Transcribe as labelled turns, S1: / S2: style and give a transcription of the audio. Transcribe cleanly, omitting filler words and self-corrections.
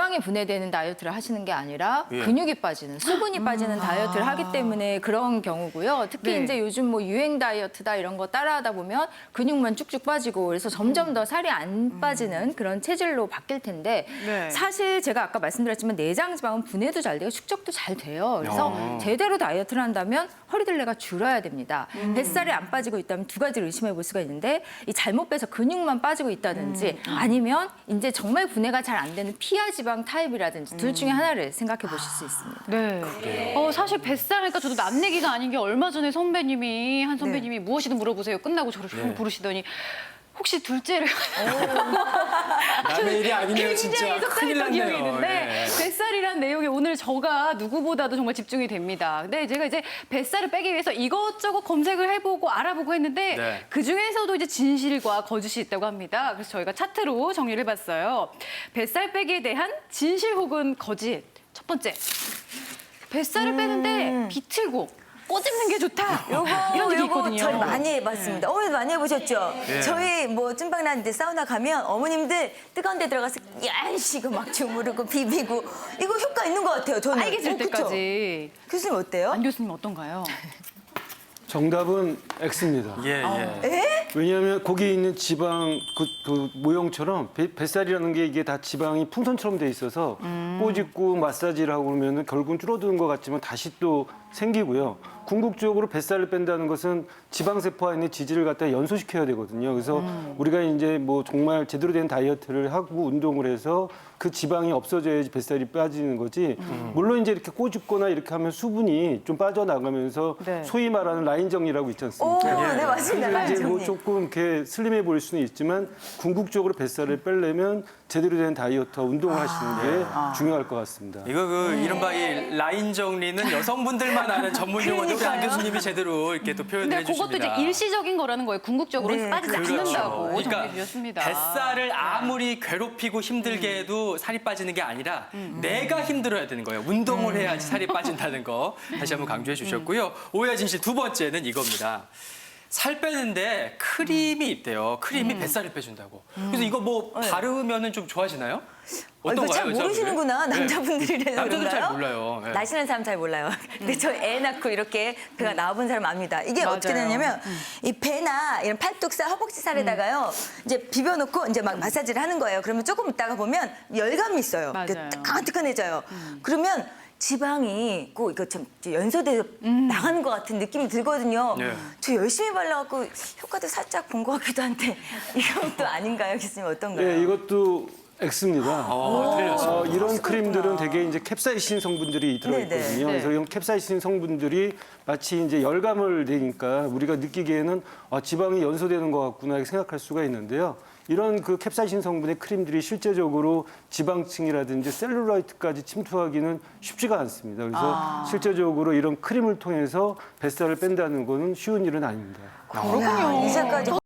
S1: 지방이 분해되는 다이어트를 하시는 게 아니라 근육이 빠지는, 수분이 빠지는 다이어트를 하기 때문에 그런 경우고요. 특히
S2: 네.
S1: 이제 요즘 뭐 유행 다이어트다 이런 거 따라하다 보면 근육만 쭉쭉 빠지고 그래서 점점 더 살이 안 빠지는 그런 체질로 바뀔 텐데
S2: 네.
S1: 사실 제가 아까 말씀드렸지만 내장 지방은 분해도 잘 되고 축적도 잘 돼요. 그래서 제대로 다이어트를 한다면 허리둘레가 줄어야 됩니다. 뱃살이 안 빠지고 있다면 두 가지를 의심해 볼 수가 있는데 이 잘못 빼서 근육만 빠지고 있다든지 아니면 이제 정말 분해가 잘 안 되는 피하 지방 타입이라든지 둘 중에 하나를 생각해 보실 수 있습니다.
S2: 네. 사실 뱃살 하니까 저도 남 얘기가 아닌 게 얼마 전에 한 선배님이 무엇이든 물어보세요. 끝나고 저를 쭉 부르시더니 혹시 둘째를
S3: 남의 일이 아니네요, 진짜.
S2: 굉장히
S3: 큰일
S2: 속상했던 기억이
S3: 났네요.
S2: 있는데
S3: 예.
S2: 뱃살이란 내용에 오늘 저가 누구보다도 정말 집중이 됩니다. 근데 제가 이제 뱃살을 빼기 위해서 이것저것 검색을 해보고 알아보고 했는데
S3: 네.
S2: 그중에서도 이제 진실과 거짓이 있다고 합니다. 그래서 저희가 차트로 정리를 해봤어요. 뱃살 빼기에 대한 진실 혹은 거짓. 첫 번째, 뱃살을 빼는데 비틀고 꼬집는 게 좋다. 이런 얘기 있거든요.
S4: 저희 많이 해봤습니다. 어머니도 많이 해보셨죠?
S3: 예.
S4: 저희 뭐 찐빵 나는데 사우나 가면 어머님들 뜨거운 데 들어가서 야시고 막 주무르고 비비고 이거 효과 있는 것 같아요. 저는.
S2: 빨개질
S4: 그쵸?
S2: 때까지.
S4: 교수님 어때요?
S2: 안 교수님 어떤가요?
S5: 정답은 X입니다.
S3: 예, 예.
S5: 왜냐하면 거기에 있는 지방 그 모형처럼 뱃살이라는 게 이게 다 지방이 풍선처럼 돼 있어서 꼬집고 마사지를 하고 그러면 결국은 줄어드는 것 같지만 다시 또 생기고요. 궁극적으로 뱃살을 뺀다는 것은 지방세포와 있는 지질을 갖다 연소시켜야 되거든요. 그래서 우리가 이제 뭐 정말 제대로 된 다이어트를 하고 운동을 해서 그 지방이 없어져야지 뱃살이 빠지는 거지. 물론 이제 이렇게 꼬집거나 이렇게 하면 수분이 좀 빠져나가면서
S2: 네.
S5: 소위 말하는 라인 정리라고 있지
S4: 오,
S5: 않습니까?
S4: 네 맞습니다.
S5: 그래서 이제 뭐
S4: 라인정님.
S5: 조금 이렇게 슬림해 보일 수는 있지만 궁극적으로 뱃살을 빼려면 제대로 된 다이어트와 운동을 하시는 게 중요할 것 같습니다.
S3: 이거 이른바 이 라인 정리는 여성분들만 아는 전문 용어인데 우리 안
S4: 그러니까요.
S3: 교수님이 제대로 이렇게 또 표현을
S2: 근데 그것도
S3: 해주십니다.
S2: 이제 일시적인 거라는 거예요. 궁극적으로
S4: 네,
S2: 빠지지
S3: 그렇죠.
S2: 않는다고
S3: 그러니까
S2: 정리해 주셨습니다.
S3: 뱃살을 아무리 괴롭히고 힘들게 해도 살이 빠지는 게 아니라 내가 힘들어야 되는 거예요. 운동을 해야지 살이 빠진다는 거 다시 한번 강조해 주셨고요. 오해와 진실 두 번째는 이겁니다. 살 빼는데 크림이 있대요. 크림이 뱃살을 빼준다고. 그래서 이거 뭐 바르면은 좀 좋아지나요?
S4: 이거
S3: 어떤가요?
S4: 잘 모르시는구나.
S3: 여자분들?
S4: 남자분들이라서
S3: 남자들 잘
S4: 그런가요?
S3: 몰라요. 예.
S4: 나시는 사람 잘 몰라요. 근데 저 애 낳고 이렇게 배가 나와본 사람 압니다. 이게
S2: 맞아요.
S4: 어떻게 되냐면 이 배나 이런 팔뚝살, 허벅지 살에다가요. 이제 비벼놓고 이제 막 마사지를 하는 거예요. 그러면 조금 있다가 보면 열감이 있어요.
S2: 맞아요.
S4: 뜨끈뜨끈해져요. 그러면 지방이 꼭 이거 참 연소돼서 나가는 것 같은 느낌이 들거든요.
S3: 네.
S4: 저 열심히 발라갖고 효과도 살짝 본 것 같기도 한데 이건 또 아닌가요, 교수님 어떤가요?
S5: 네, 이것도 X입니다.
S3: 틀렸어요.
S5: 이런 크림들은 되게 이제 캡사이신 성분들이 들어있거든요.
S4: 네네.
S5: 그래서 이런 캡사이신 성분들이 마치 이제 열감을 내니까 우리가 느끼기에는 지방이 연소되는 것 같구나 이렇게 생각할 수가 있는데요. 이런 그 캡사이신 성분의 크림들이 실제적으로 지방층이라든지 셀룰라이트까지 침투하기는 쉽지가 않습니다. 그래서 실제적으로 이런 크림을 통해서 뱃살을 뺀다는 거는 쉬운 일은 아닙니다.
S4: 그렇군요. 이제까지